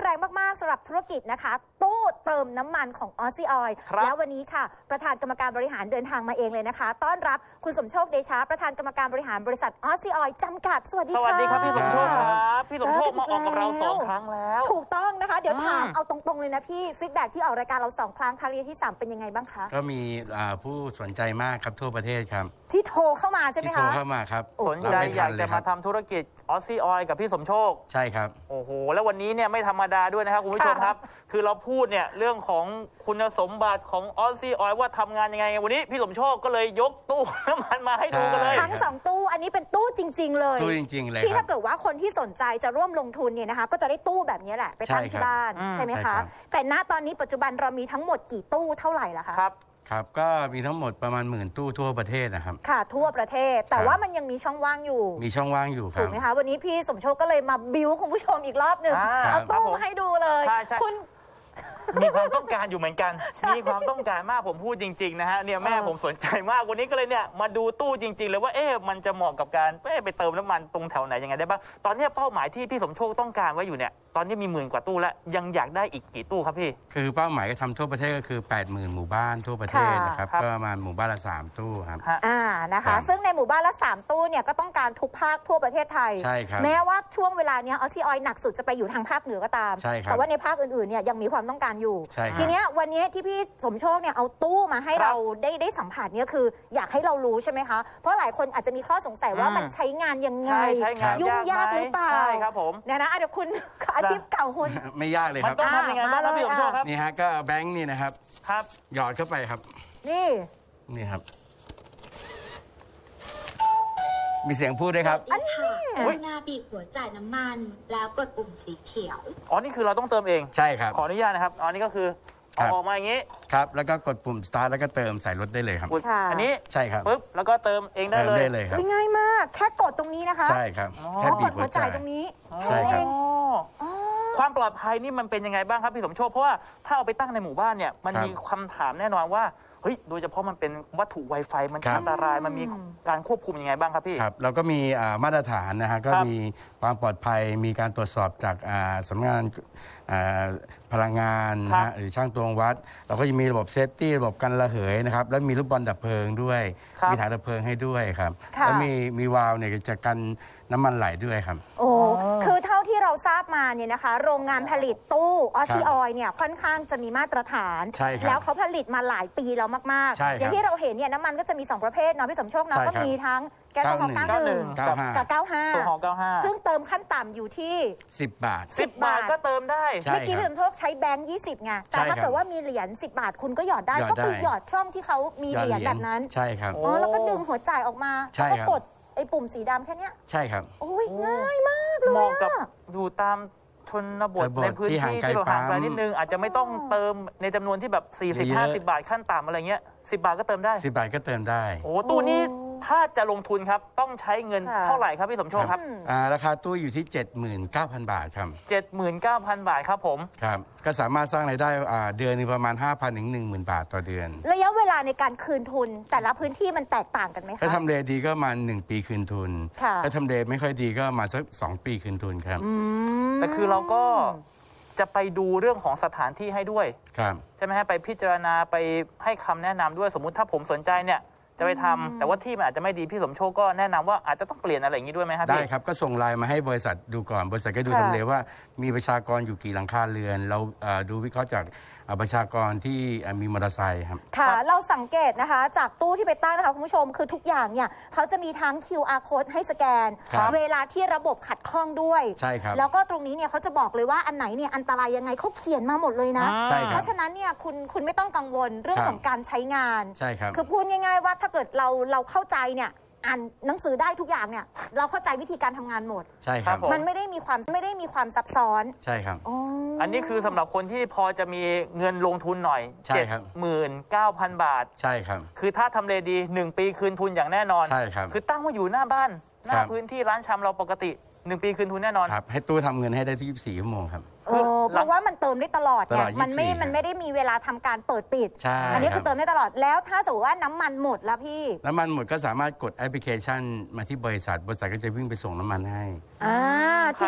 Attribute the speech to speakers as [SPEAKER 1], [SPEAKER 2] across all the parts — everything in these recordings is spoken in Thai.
[SPEAKER 1] แรงมากๆสำหรับธุรกิจนะคะตู้เติมน้ำมันของออซี่ออยล์แล้ววันนี้ค่ะประธานกรรมการบริหารเดินทางมาเองเลยนะคะต้อนรับคุณสมโชคเดชาประธานกรรมการบริหารบริษัทออซี่ออยล์จำกัดสวัสดีค่ะ
[SPEAKER 2] สวัสดีครับพี่สมโชคครับพี่สมโชคมาออกกับเรา2 ครั้งแล้ว
[SPEAKER 1] ถูกต้องนะคะเดี๋ยวถามเอาตรงๆเลยนะพี่ฟีดแบ็กที่ออกรายการเรา2 ครั้งนี้ที่3เป็นยังไงบ้างคะ
[SPEAKER 3] ก็มีผู้สนใจมากครับทั่วประเทศครับ
[SPEAKER 1] ที่โทรเข้ามาใช่ไหมคะ
[SPEAKER 3] ที่โทรเข้ามาครับ
[SPEAKER 2] สนใจอยากจะมาทำธุรกิจออซี่ออยล์กับพี่สมโชค
[SPEAKER 3] ใช่ครับ
[SPEAKER 2] โอ้โหแล้ววันนี้เนี่ยไม่ธรรมดาด้วยนะครับคุณผู้ชมครับคือเราพูดเนี่ยเรื่องของคุณสมบัติของออซี่ออยล์ว่าทำงานยังไงวันนี้พี่สมโชคก็เลยยกตู้น้ำมันมาให้ดูกันเลย
[SPEAKER 1] ทั้ง2 ตู้อันนี้เป็นตู้จริงๆเลย
[SPEAKER 3] ตู้จริงๆเลย
[SPEAKER 1] ที่ถ้าเกิดว่าคนที่สนใจจะร่วมลงทุนเนี่ยนะคะก็จะได้ตู้แบบนี้แหละไปตั้งที่บ้านใช่ไหมคะแต่ณตอนนี้ปัจจุบันเรามีทั้งหมดกี่ตู้เท่าไหร่ล่ะคะ
[SPEAKER 3] ครับก็มีทั้งหมดประมาณ10,000 ตู้ทั่วประเทศนะครับ
[SPEAKER 1] ค่ะทั่วประเทศแต่ว่ามันยังมีช่องว่างอยู่
[SPEAKER 3] มีช่องว่างอยู่ครับ
[SPEAKER 1] ถูกไหมคะวันนี้พี่สมโชคก็เลยมาบิ้วคุณผู้ชมอีกรอบหนึ่งเอาตู้มาให้ดูเลยคุณ
[SPEAKER 2] มีความต้องการอยู่เหมือนกันมีความต้องการมากผมพูดจริงๆนะฮะเนี่ยแม่ผมสนใจมากวันนี้ก็เลยเนี่ยมาดูตู้จริงๆเลยว่ามันจะเหมาะกับการไปเติมน้ำมันตรงแถวไหนยังไงได้บ้างตอนนี้เป้าหมายที่พี่สมโชคต้องการไว้อยู่เนี่ยตอนนี้มี10,000 กว่าตู้แล้วยังอยากได้อีกกี่ตู้ครับพี่
[SPEAKER 3] คือเป้าหมายก็ทำทั่วประเทศก็คือ80,000 หมู่บ้านทั่วประเทศนะครับก็ประมาณหมู่บ้านละ3 ตู้ครับ
[SPEAKER 1] นะคะซึ่งในหมู่บ้านละ3 ตู้เนี่ยก็ต้องการทุกภาคทั่วประเทศไทย
[SPEAKER 3] ใช่ครับ
[SPEAKER 1] แม้ว่าช่วงเวลานี้ออซี่ออยล์หนักสุดจะไปอยู่ทางภาคเหนือก็ตามแต่ว่าในภาคอื่นๆเนี่ยยังมีความต้องการอยู่ทีนี้วันนี้ที่พี่สมโชคเนี่ยเอาตู้มาให้เราได้สัมผัสเนี่ยคืออยากให้เรารู้ใช่ไหมคะเพราะหลายคนอาจจะมีข้อสงสัยว่ามันใช้งานยังไงยุ่งยากหรือเปล่า
[SPEAKER 2] ใช่ครับผม
[SPEAKER 1] เนี่ยนะเดี๋ยวคุณอาชีพเก่าคุณ
[SPEAKER 3] ไม่ยากเลยครับ
[SPEAKER 2] มันต้องทำยังไงบ้างครับพี่สมโชคครับ
[SPEAKER 3] นี่ฮะก็แบงค์นี่นะครับหยอดเข้าไปครับนี่ครับมีเสียงพูดด้วยครับ
[SPEAKER 4] อันนี้กรุณาบีบหัวจ่ายน้ำมันแล้วกดปุ่มสีเขียว
[SPEAKER 2] นี่คือเราต้องเติมเอง
[SPEAKER 3] ใช่ครับ
[SPEAKER 2] ขออนุญาตนะครับนี่ก็คือออกมาอย่างนี้
[SPEAKER 3] ครับแล้วก็กดปุ่ม start แล้วก็เติมใส่รถได้เลยครับ
[SPEAKER 2] อันนี้
[SPEAKER 3] ใช่ครับ
[SPEAKER 2] ปึ๊บแล้วก็เติมเองได้
[SPEAKER 3] เลยครับ
[SPEAKER 1] ง่ายมากแค่กดตรงนี้นะคะ
[SPEAKER 3] ใช่ครับแค่บีบหัวจ่าย
[SPEAKER 1] ตรงนี้
[SPEAKER 3] ใช่ครับ
[SPEAKER 2] ความปลอดภัยนี่มันเป็นยังไงบ้างครับพี่สมโชคเพราะว่าถ้าเอาไปตั้งในหมู่บ้านเนี่ยมันมีคำถามแน่นอนว่าโดยเฉพาะมันเป็นวัตถุ Wi-Fi มันอันตรายมันมีการควบคุมยังไงบ้างครับพี่
[SPEAKER 3] ครับเราก็มีมาตรฐานนะฮะก็มีความปลอดภัยมีการตรวจสอบจากสำนักงานพลังงานนะฮะหรือช่างตวงวัดเราก็ยังมีระบบเซฟตี้ระบบกันระเหยนะครับแล้วมีลูกบอลดับเพลิงด้วยมีถังดับเพลิงให้ด้วยครับแล้วมีวาล์วเนี่ยจะกันน้ำมันไหลด้วยครับ
[SPEAKER 1] คือเท่าที่เราทราบมาเนี่ยนะคะโรงงานผลิตตู้ออซี่ออยล์เนี่ยค่อนข้างจะมีมาตรฐานแล้วเขาผลิตมาหลายปีแล้วมากๆอย่างที่เราเห็นเนี่ยน้ำมันก็จะมี2 ประเภทเนาะพี่สมโชคเนาะก็มีทั้งแก๊สโซฮอล์91กับ95ซึ่งเติมขั้นต่ำอยู่ที่
[SPEAKER 3] 10 บาท
[SPEAKER 2] ก็เติมได้
[SPEAKER 1] เมื่อกี้พี่สมโชคใช้แบงค์20ไงแต่ถ้าเกิดว่ามีเหรียญ10 บาทคุณก็หยอดได้ก็คือหยอดช่องที่เขามีเหรียญแบบนั้น
[SPEAKER 3] ใช่ครับ
[SPEAKER 1] แล้วก็ดึงหัวจ่ายออกมาแล้วก็กดไอ้ปุ่มสีดำแค่นี้
[SPEAKER 3] ใช่ครับ
[SPEAKER 1] โอ้ยง่ายมากเลย
[SPEAKER 2] เหมาะกับอยู่ตามชนบทในพื้นที่ที่เราห่างไกลนิดนึงอาจจะไม่ต้องเติมในจำนวนที่แบบ40-50 บาทขั้นต่ำอะไรเงี้ย10 บาทก็เติมได้
[SPEAKER 3] 10 บาทก็เติมได้
[SPEAKER 2] ตู้นี้ถ้าจะลงทุนครับต้องใช้เงินเท่าไหร่ครับพี่สมโชคครับ
[SPEAKER 3] ราคาตู้อยู่ที่ 79,000 บาทครับ
[SPEAKER 2] 79,000 บาทครับผม
[SPEAKER 3] ครับก็สามารถสร้างรายได้เดือนนึงประมาณ 5,000 ถึง 10,000 บาทต่อเดือน
[SPEAKER 1] ระยะเวลาในการคืนทุนแต่ละพื้นที่มันแตกต่างกันไหมคะ
[SPEAKER 3] ถ้าทำเลดีก็ประมาณ1 ปีคืนทุนถ้าทำเลไม่ค่อยดีก็มาสัก2 ปีคืนทุนครับ
[SPEAKER 2] แต่คือเราก็จะไปดูเรื่องของสถานที่ให้ด้วยใช่ไหมฮะไปพิจารณาไปให้คำแนะนำด้วยสมมุติถ้าผมสนใจเนี่ยจะไปทำแต่ว่าที่มันอาจจะไม่ดีพี่สมโชคก็แนะนำว่าอาจจะต้องเปลี่ยนอะไรอย่างนี้ด้วยไหมครับ
[SPEAKER 3] ได้ครับก็ส่งไลน์มาให้บริษัทดูก่อนบริษัทก็ดูทำเลว่ามีประชากรอยู่กี่หลังคาเรือนเราดูวิเคราะห์จากประชากรที่มีมอเตอร์ไซค์ครับ
[SPEAKER 1] ค่ะเราสังเกตนะคะจากตู้ที่ไปตั้งนะคะคุณผู้ชมคือทุกอย่างเนี่ยเขาจะมีทั้ง QR code ให้สแกนเวลาที่ระบบขัดข้องด้วย
[SPEAKER 3] ใช่ครับ
[SPEAKER 1] แล้วก็ตรงนี้เนี่ยเขาจะบอกเลยว่าอันไหนเนี่ยอันตรายยังไงเขาเขียนมาหมดเลยนะเพราะฉะนั้นเนี่ยคุณไม่ต้องกังวลเรื่องของการใช้งาน
[SPEAKER 3] ใช่ครับ
[SPEAKER 1] คือพูดง่ายๆว่าถ้าเกิดเราเข้าใจเนี่ยอ่านหนังสือได้ทุกอย่างเนี่ยเราเข้าใจวิธีการทำงานหมด
[SPEAKER 3] ใช่ครับ
[SPEAKER 1] มันไม่ได้มีความซับซ้อน
[SPEAKER 3] ใช่ครับ
[SPEAKER 2] อันนี้คือสำหรับคนที่พอจะมีเงินลงทุนหน่อย 79,000 บาท
[SPEAKER 3] ใช่ครับ
[SPEAKER 2] คือถ้าทำเลดี1 ปีคืนทุนอย่างแน่นอน
[SPEAKER 3] ใช่ครับ
[SPEAKER 2] คือตั้งว่าอยู่หน้าบ้านหน้าพื้นที่ร้านชำเราปกติ1 ปีคืนทุนแน่นอน
[SPEAKER 3] ครับให้ตู้ทำเงินให้ได้24 ชั่วโมงครับ
[SPEAKER 1] เพราะว่ามันเติมได้ตลอดไงมันไม่ได้มีเวลาทำการเปิดปิดอันนี้คือเติมได้ตลอดแล้วถ้าสมมติว่าน้ำมันหมดแล้วพี่
[SPEAKER 3] น้ำมันหมดก็สามารถกดแอปพลิเคชันมาที่บริษัทก็จะวิ่งไปส่งน้ำมันให้
[SPEAKER 1] ทีนี้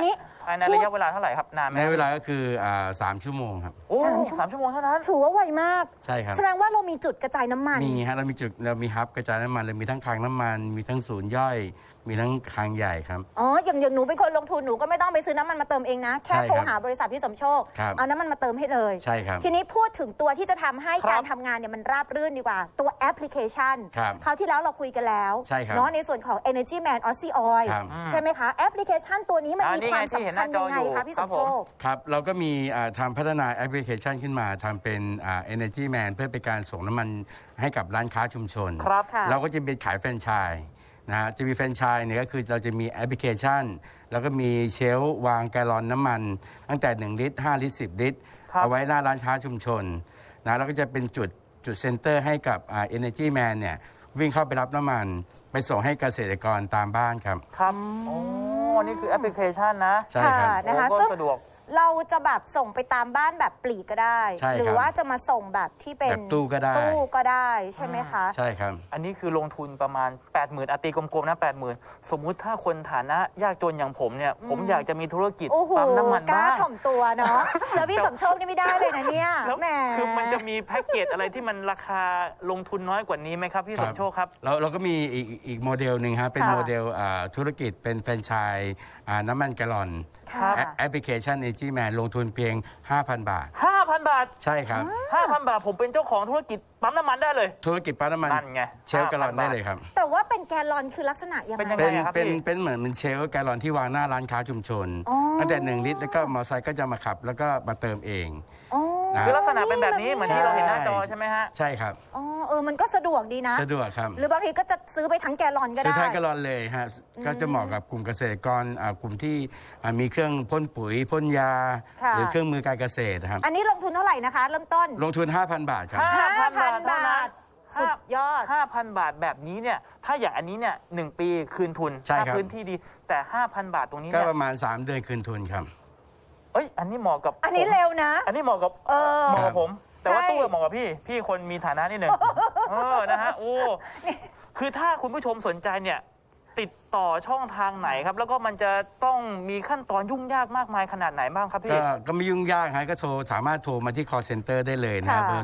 [SPEAKER 2] ภายในระยะเวลาเท่าไหร่ครับนานไหม
[SPEAKER 3] ในเวลาก็คือ3 ชั่วโมงครับ
[SPEAKER 2] โอ้3 ชั่วโมงเท่านั้น
[SPEAKER 1] ถือว่าไวมาก
[SPEAKER 3] ใช่ครับ
[SPEAKER 1] แสดงว่าเรามีจุดกระจายน้ำมัน
[SPEAKER 3] มีฮะเรามีฮับกระจายน้ำมันเลยมีทั้งคลังน้ำมัน มีทั้งศูนย์ย่อย มีทั้งคลังใหญ่ครับ
[SPEAKER 1] อ๋ออย่างหนูเป็นคนลงทุนหนูก็ไม่ต้องไปซื้อน้ำมันมาเติมเองนะ แค่
[SPEAKER 3] ใช่ครับ
[SPEAKER 1] โทรหาบริษัทพี่สมโชค
[SPEAKER 3] ครับ
[SPEAKER 1] เอาน้ำมันมาเติมให้เลย
[SPEAKER 3] ใช่ครับ
[SPEAKER 1] ทีนี้พูดถึงตัวที่จะทำให้
[SPEAKER 2] ครับ
[SPEAKER 1] การทำงานเนี่ยมันราบรื่นดีกว่า ตัวแอปพลิเคชัน
[SPEAKER 3] ครับ
[SPEAKER 1] คราวที่แล้วเราคุยกันแล้ว
[SPEAKER 3] ใช่ครับ
[SPEAKER 1] เนาะในส่วนของ Energy Man Aussie Oil
[SPEAKER 3] ครับ
[SPEAKER 1] ใช่ไหมคะ แอปพลิเคชันตัวนี้มันมี
[SPEAKER 2] นี่
[SPEAKER 1] ค
[SPEAKER 2] ไง
[SPEAKER 1] วาม
[SPEAKER 2] ที่เห็น
[SPEAKER 1] สำ
[SPEAKER 2] ห
[SPEAKER 1] คั
[SPEAKER 2] น้า
[SPEAKER 1] ญ
[SPEAKER 2] จ
[SPEAKER 1] ยั
[SPEAKER 2] อง
[SPEAKER 1] ไง
[SPEAKER 2] อยู่
[SPEAKER 1] คะพี่
[SPEAKER 2] ค
[SPEAKER 1] ส
[SPEAKER 2] รับ
[SPEAKER 1] ม
[SPEAKER 2] ผ
[SPEAKER 1] โช
[SPEAKER 2] ม
[SPEAKER 1] ค
[SPEAKER 3] ครับเราก็มีทำพัฒนาแอปพลิเคชันขึ้นมาทำเป็นEnergy Man เพื่อเป็นการส่งน้ำมันให้กับร้านค้าชุมชน
[SPEAKER 2] ครับ
[SPEAKER 1] ค่ะ
[SPEAKER 3] เราก็จะเป็นขายแฟรนไชส์นะฮะจะมีแฟรนไชส์เนี่ยก็คือเราจะมีแอปพลิเคชัน แล้วก็มีเชลฟ์วางแกลลอนน้ำมัน ตั้งแต่1 ลิตร 5 ลิตร 10 ลิตร
[SPEAKER 2] ครับ
[SPEAKER 3] เอาไว้หน้าร้านค้าชุมชนนะแล้วก็จะเป็นจุดเซ็นเตอร์ให้กับEnergy Man เนี่ยวิ่งเข้าไปรับน้ำมัน ไปส่งให้เกษตรกรตามบ้านครับ
[SPEAKER 2] ครับโอ้นี่คือแอปพลิเคชันนะ
[SPEAKER 3] ใช่ครับ
[SPEAKER 1] นะคะ
[SPEAKER 2] โอ้ก็
[SPEAKER 1] ซึ่ง
[SPEAKER 2] สะดวก
[SPEAKER 1] เราจะแบบส่งไปตามบ้านแบบปลีกก็ได้
[SPEAKER 3] ใช่ครับ
[SPEAKER 1] หรือว่าจะมาส่งแบบที่เป็น
[SPEAKER 3] แบบตู้ก็ได้
[SPEAKER 1] ตู้ก็ได้ใช่ไหมคะ
[SPEAKER 3] ใช่ครับ
[SPEAKER 2] อันนี้คือลงทุนประมาณ 80,000ตีกลมๆนะ80,000สมมุติถ้าคนฐานะยากจนอย่างผมเนี่ย ผมอยากจะมีธุรกิจ
[SPEAKER 1] โอ้โห
[SPEAKER 2] ปั๊มน้ำมัน
[SPEAKER 1] กล้า
[SPEAKER 2] บ้าง
[SPEAKER 1] ถ่อมตัวเนาะ แล้วพี่สมโชคนี่ไม่ได้เลยนะเนี่ย
[SPEAKER 2] แล้ว
[SPEAKER 1] แหม
[SPEAKER 2] คือมันจะมีแพ็กเกจอะไรที่มันราคาลงทุนน้อยกว่านี้ไหมครับพี่สมโชคครับ
[SPEAKER 3] เราก็มีอีกโมเดลหนึ่งฮะเป็น
[SPEAKER 1] ค่ะ
[SPEAKER 3] โมเดลธุรกิจเป็นแฟรนไชส์น้ำมันแกลลอน
[SPEAKER 1] ค่ะ
[SPEAKER 3] แอปพลิเคชัน Energy Man ลงทุนเพียง 5,000 บาท
[SPEAKER 2] 5,000 บาท
[SPEAKER 3] ใช่ครับ
[SPEAKER 2] 5,000 บาทผมเป็นเจ้าของธุรกิจปั๊มน้ำมันได้เลย
[SPEAKER 3] ธุรกิจปั๊มน้ำมัน
[SPEAKER 2] นั่นไง
[SPEAKER 3] เชลฟ์แกลลอน
[SPEAKER 2] 5,000
[SPEAKER 3] ได้เลยครับ
[SPEAKER 1] แต่ว่าเป็นแกลลอนคือลักษณะยัง
[SPEAKER 2] เป็น
[SPEAKER 1] ไง
[SPEAKER 2] ยังไง
[SPEAKER 3] เป็น
[SPEAKER 2] ครับ
[SPEAKER 3] เป็น
[SPEAKER 2] พี่
[SPEAKER 3] เป็นเหมือนเชลฟ์แกลลอนที่วางหน้าร้านค้าชุมชน
[SPEAKER 1] อ๋อ
[SPEAKER 3] ตั้งแต่1 ลิตรแล้วก็มอเตอร์ไซค์ก็จะมาขับ แล้วก็มาเติมเอง
[SPEAKER 1] อ๋อ
[SPEAKER 3] นะ
[SPEAKER 2] คือลักษณะเป็นแบบนี้เหมือนที่เราเห็นหน้าจอใช่ไหมฮะ
[SPEAKER 3] ใช่ครับ
[SPEAKER 1] อ๋อมันก็สะดวกดีนะ
[SPEAKER 3] สะดวกครับ
[SPEAKER 1] หรือบางทีก็จะซื้อไปทั้งแกลลอนก็
[SPEAKER 3] ซื้อ
[SPEAKER 1] ได้
[SPEAKER 3] ท้ายแกลลอนเลยฮะก็จะเหมาะกับกลุ่มเกษตรกรกลุ่มที่มีเครื่องพ่นปุ๋ยพ่นยา
[SPEAKER 1] ค่ะ
[SPEAKER 3] หรือเครื่องมือการเกษตรครับ
[SPEAKER 1] อันนี้ลงทุนเท่าไหร่นะคะ เริ่มต้น
[SPEAKER 3] ลงทุน 5,000 บาทครับ
[SPEAKER 2] 5,000 บาทเท่านั้น
[SPEAKER 1] สุดยอด
[SPEAKER 2] 5,000 บาทแบบนี้เนี่ย ถ้าอย่างอันนี้เนี่ย1 ปีคืนทุน
[SPEAKER 3] ใช่ครับ
[SPEAKER 2] ถ้าพื้นที่ดี แต่ 5,000 บาทตรงนี้
[SPEAKER 3] ก็
[SPEAKER 2] เนี่ย
[SPEAKER 3] ประมาณ 3 เดือนคืนทุนครับ
[SPEAKER 2] เอ้ย อันนี้เหมาะกับ
[SPEAKER 1] อันนี้
[SPEAKER 2] ผม
[SPEAKER 1] เร็วนะ
[SPEAKER 2] อันนี้เหมาะกับ
[SPEAKER 1] เออ
[SPEAKER 2] เหมาะกับผม แต่ว่า
[SPEAKER 1] ใช่
[SPEAKER 2] ตู้เหมาะกับพี่คนมีฐานะนิดหนึ่งนะฮะ โอ้ คือถ้าคุณผู้ชมสนใจเนี่ย ติดต่อช่องทางไหนครับ แล้วก็มันจะต้องมีขั้นตอนยุ่งยากมากมายขนาดไหนบ้างครับพี่
[SPEAKER 3] ก็ไม่ยุ่งยากฮะก็สามารถโทรมาที่ call center ได้เลยนะฮะ
[SPEAKER 1] ค่ะ
[SPEAKER 3] เบอร์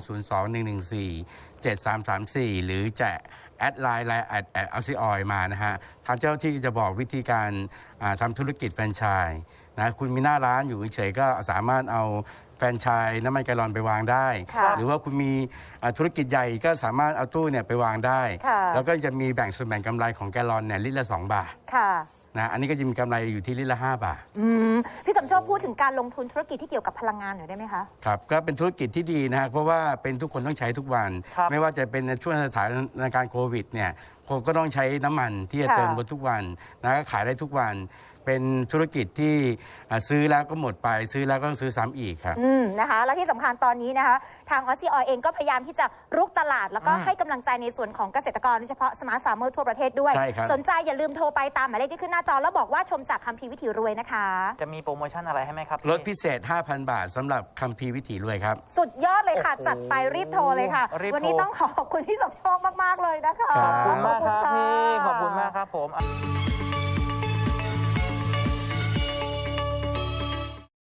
[SPEAKER 3] 02-114-7334 หรือจะแอดไลน์แอดเอาซีออยมานะฮะ ทางเจ้าหน้าที่จะบอกวิธีการทำธุรกิจแฟรนไชส์นะคุณมีหน้าร้านอยู่เฉยๆก็สามารถเอาแฟรนไชส์น้ำมันแกลลอนไปวางได้
[SPEAKER 1] ค่ะ
[SPEAKER 3] หรือว่าคุณมีธุรกิจใหญ่ก็สามารถเอาตู้เนี่ยไปวางได้
[SPEAKER 1] ค่ะ
[SPEAKER 3] แล้วก็จะมีแบ่งส่วนแบ่งกำไรของแกลลอนเนี่ยลิตรละ 2 บาท
[SPEAKER 1] ค่ะ
[SPEAKER 3] นะอันนี้ก็จะมีกำไรอยู่ที่ลิตรละ 5 บาท
[SPEAKER 1] พี่สมโชคพูดถึงการลงทุนธุรกิจที่เกี่ยวกับพลังงานหน่อยได้ไหมคะ
[SPEAKER 3] ครับก็เป็นธุรกิจที่ดีนะฮะเพราะว่าเป็นทุกคนต้องใช้ทุกวัน
[SPEAKER 2] ครับ
[SPEAKER 3] ไม่ว่าจะเป็นในช่วงสถานการณ์โควิดเนี่ยคนก็ต้องใช้น้ำมันที่จะ
[SPEAKER 1] ค่ะ
[SPEAKER 3] เติมรถทุกวันนะก็ขายได้ทุกวัน เป็นธุรกิจที่ซื้อแล้วก็หมดไปซื้อแล้วก็ต้องซื้อซ้ำอีกครับ
[SPEAKER 1] นะคะและที่สำคัญตอนนี้นะคะ ทางออสซี่ออยเองก็พยายามที่จะรุกตลาด แล้วก็ให้กำลังใจในส่วนของเกษตรกรโดยเฉพาะสมาร์ทฟาร์มเมอร์ทั่วประเทศด้วย
[SPEAKER 3] ใช่ครับ
[SPEAKER 1] สนใจอย่าลืมโทรไปตามหมายเลขที่ขึ้นหน้าจอ แล้วบอกว่าชมจากคัมภีร์วิถีรวยนะคะ
[SPEAKER 2] จะมีโปรโมชั่นอะไรให้ไหมครับพี่
[SPEAKER 3] ลดพิเศษ 5,000 บาทสำหรับคัมภีร์วิถีรวยครับ
[SPEAKER 1] สุดยอดเลยค่ะ
[SPEAKER 2] โอ้โห
[SPEAKER 1] จัดไปรีบโทรเลยค่ะ
[SPEAKER 2] รีบโทร
[SPEAKER 1] วันนี้ต้องขอบคุณที่สมโชคมากๆเลยนะคะ
[SPEAKER 3] ครับ
[SPEAKER 2] ขอบคุณมากครับพี่
[SPEAKER 1] ะ
[SPEAKER 2] ขอบคุณมากครับผม